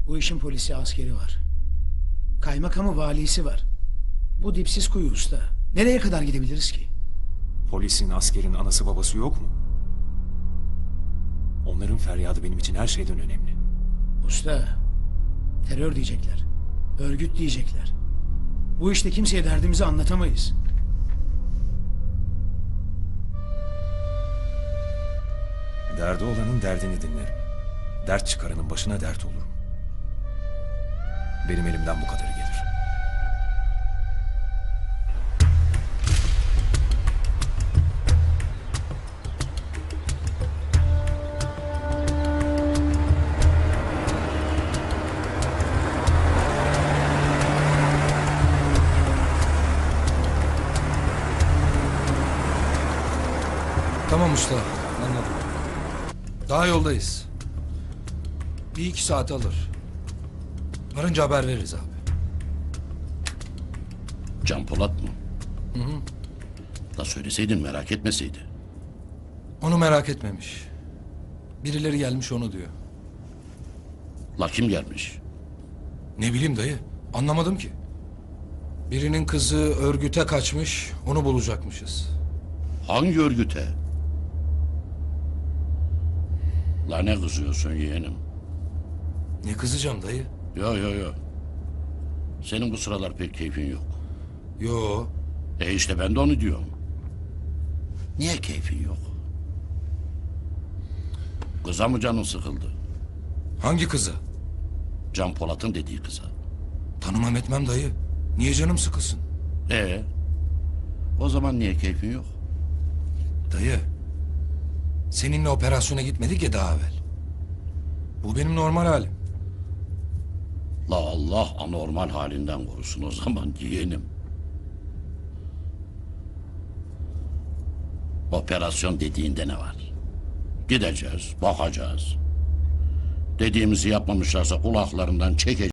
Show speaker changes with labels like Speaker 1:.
Speaker 1: Bu işin polisi askeri var. Kaymakamı valisi var. Bu dipsiz kuyu usta. Nereye kadar gidebiliriz ki?
Speaker 2: Polisin, askerin anası babası yok mu? Onların feryadı benim için her şeyden önemli.
Speaker 1: Usta, terör diyecekler. Örgüt diyecekler. Bu işte kimseye derdimizi anlatamayız.
Speaker 2: Derdi olanın derdini dinlerim. Dert çıkaranın başına dert olurum. Benim elimden bu kadarı gelir.
Speaker 3: Tamam usta, anladım. Daha yoldayız. Bir iki saat alır. Varınca haber veririz abi.
Speaker 4: Can Polat mı? Da söyleseydin merak etmeseydi.
Speaker 3: Onu merak etmemiş. Birileri gelmiş onu diyor.
Speaker 4: La kim gelmiş?
Speaker 3: Ne bileyim dayı, anlamadım ki. Birinin kızı örgüte kaçmış, onu bulacakmışız.
Speaker 4: Hangi örgüte? La ne kızıyorsun yeğenim?
Speaker 3: Ne kızacağım dayı?
Speaker 4: Yo. Senin bu sıralar pek keyfin yok.
Speaker 3: Yo,
Speaker 4: İşte ben de onu diyorum. Niye keyfin yok? Kıza mı canın sıkıldı?
Speaker 3: hangi kızı?
Speaker 4: Can Polat'ın dediği kıza.
Speaker 3: Tanımam etmem dayı. Niye canım sıkılsın?
Speaker 4: O zaman niye keyfin yok?
Speaker 3: Dayı, seninle operasyona gitmedik ya daha evvel. Bu benim normal halim.
Speaker 4: La Allah anormal halinden korusun o zaman yeğenim. Operasyon dediğinde ne var? Gideceğiz, bakacağız. Dediğimizi yapmamışlarsa kulaklarından çekeceğiz.